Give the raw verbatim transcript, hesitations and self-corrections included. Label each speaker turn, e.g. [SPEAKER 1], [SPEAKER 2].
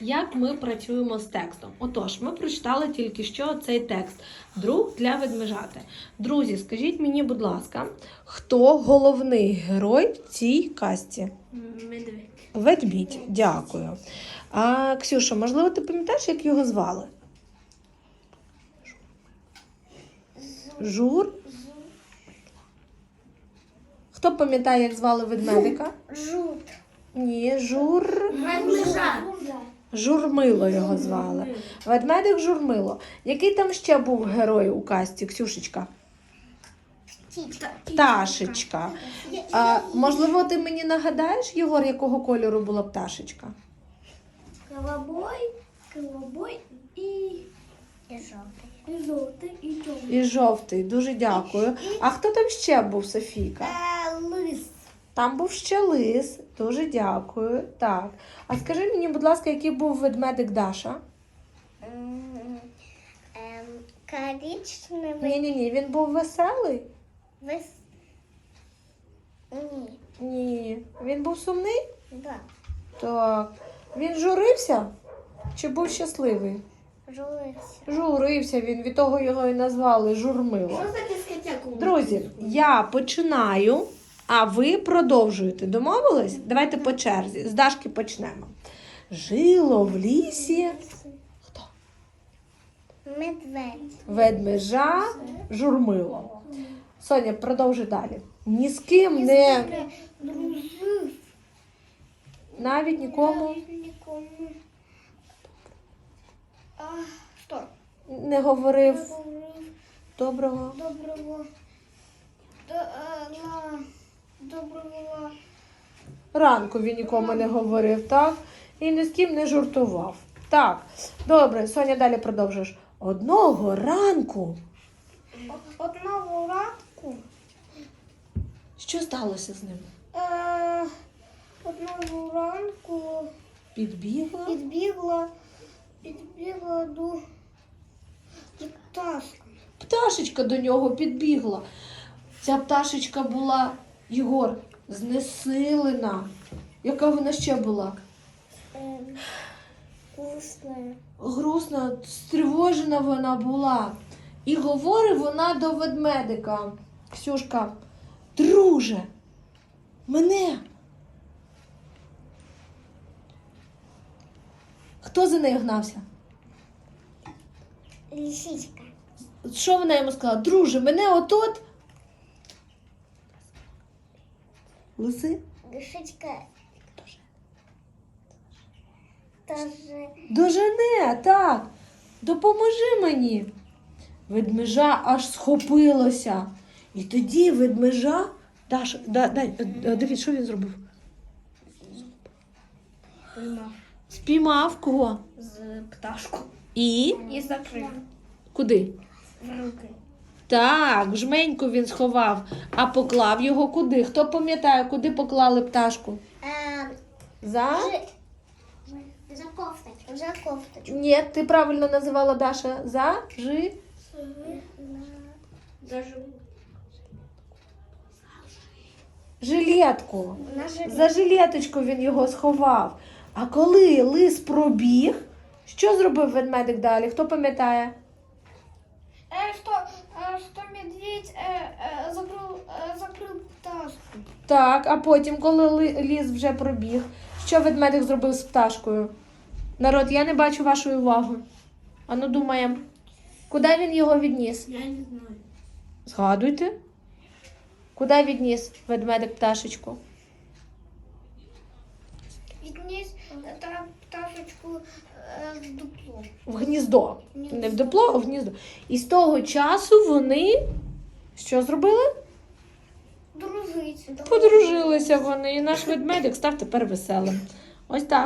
[SPEAKER 1] як ми працюємо з текстом. Отож, ми прочитали тільки що цей текст «Друг для ведмежати». Друзі, скажіть мені, будь ласка, хто головний герой в цій казці?
[SPEAKER 2] Медведь.
[SPEAKER 1] Ведмідь, дякую. А, Ксюша, можливо, ти пам'ятаєш, як його звали? Жур? Хто пам'ятає, як звали ведмедика?
[SPEAKER 2] Жут.
[SPEAKER 1] Ні, Жур...
[SPEAKER 2] Ведмежа.
[SPEAKER 1] Журмило його звали. Ведмедик Журмило. Який там ще був герой у казці, Ксюшечка? Пташечка. А, можливо, ти мені нагадаєш, Єгор, якого кольору була пташечка?
[SPEAKER 2] Голубой, голубой і... І жовтий. І жовтий, і чорний.
[SPEAKER 1] І жовтий. Дуже дякую. А хто там ще був, Софійка?
[SPEAKER 2] Е, лис.
[SPEAKER 1] Там був ще лис. Дуже дякую. Так. А скажи мені, будь ласка, який був ведмедик Даша?
[SPEAKER 2] Ем, коричневий.
[SPEAKER 1] Ні-ні-ні, він був веселий?
[SPEAKER 2] Вис... Ні.
[SPEAKER 1] Ні. Він був сумний?
[SPEAKER 2] Да.
[SPEAKER 1] Так. Він журився? Чи був щасливий?
[SPEAKER 2] Жулився.
[SPEAKER 1] Журився він, від того його і назвали Журмило.
[SPEAKER 2] Що за дискотеку?
[SPEAKER 1] Друзі, я починаю, а ви продовжуєте. Домовились? Давайте по черзі. З Дашки почнемо. Жило в лісі хто?
[SPEAKER 2] Медведь.
[SPEAKER 1] Ведмежа Журмило. Соня, продовжуй далі. Ні з ким не,
[SPEAKER 2] Дружив.
[SPEAKER 1] навіть нікому
[SPEAKER 2] Нікому. А, що?
[SPEAKER 1] не говорив
[SPEAKER 2] Говорив
[SPEAKER 1] доброго.
[SPEAKER 2] доброго. До, а, на, доброго.
[SPEAKER 1] Ранку він нікому не говорив, так? І ні з ким не жартував. Так, добре, Соня, далі продовжуєш. Одного ранку.
[SPEAKER 2] Одного ранку.
[SPEAKER 1] Що сталося з ним?
[SPEAKER 2] Е, одного ранку
[SPEAKER 1] Підбігла?
[SPEAKER 2] підбігла, підбігла до пташки.
[SPEAKER 1] Пташечка до нього підбігла. Ця пташечка була, Єгор, знесилена. Яка вона ще була?
[SPEAKER 2] Е, вкусна.
[SPEAKER 1] Грустна, стривожена вона була. І говорить вона до ведмедика. Ксюшка, друже, мене. Хто за нею гнався?
[SPEAKER 2] Лисичка.
[SPEAKER 1] Що вона йому сказала? Друже, мене отот. Лиси?
[SPEAKER 2] Лисичка. Тоже.
[SPEAKER 1] Дожене, так. Допоможи мені. Ведмежа аж схопилося. І тоді ведмежа... Даша, да, дай, дивіться, що він зробив?
[SPEAKER 2] Поймав.
[SPEAKER 1] Спіймав кого?
[SPEAKER 2] З пташку.
[SPEAKER 1] І?
[SPEAKER 2] І закрив.
[SPEAKER 1] Куди?
[SPEAKER 2] В руки.
[SPEAKER 1] Так, жменьку він сховав. А поклав його куди? Хто пам'ятає, куди поклали пташку?
[SPEAKER 2] Е,
[SPEAKER 1] За?
[SPEAKER 2] За кофточку. За кофточку.
[SPEAKER 1] Ні, ти правильно називала, Даша. За? Жи?
[SPEAKER 2] Даже
[SPEAKER 1] Жилетку.
[SPEAKER 2] на жилет.
[SPEAKER 1] За жилеточку він його сховав. А коли лис пробіг, що зробив ведмедик далі? Хто пам'ятає?
[SPEAKER 2] Э, что, э, что медведь э, э, закрыл, э, закрыл пташку.
[SPEAKER 1] Так, а потім, коли ли- ліс вже пробіг, що ведмедик зробив з пташкою? Народ, я не бачу вашої уваги. Ану, думаємо. Куди він його відніс?
[SPEAKER 2] Я не знаю.
[SPEAKER 1] Згадуйте. Куди відніс ведмедик пташечку?
[SPEAKER 2] Відніс та пташечку э, в дупло.
[SPEAKER 1] В гніздо. Не в дупло, а в гніздо. І з того часу вони що зробили?
[SPEAKER 2] Дружить.
[SPEAKER 1] Подружилися вони. І наш ведмедик став тепер веселим. Ось так.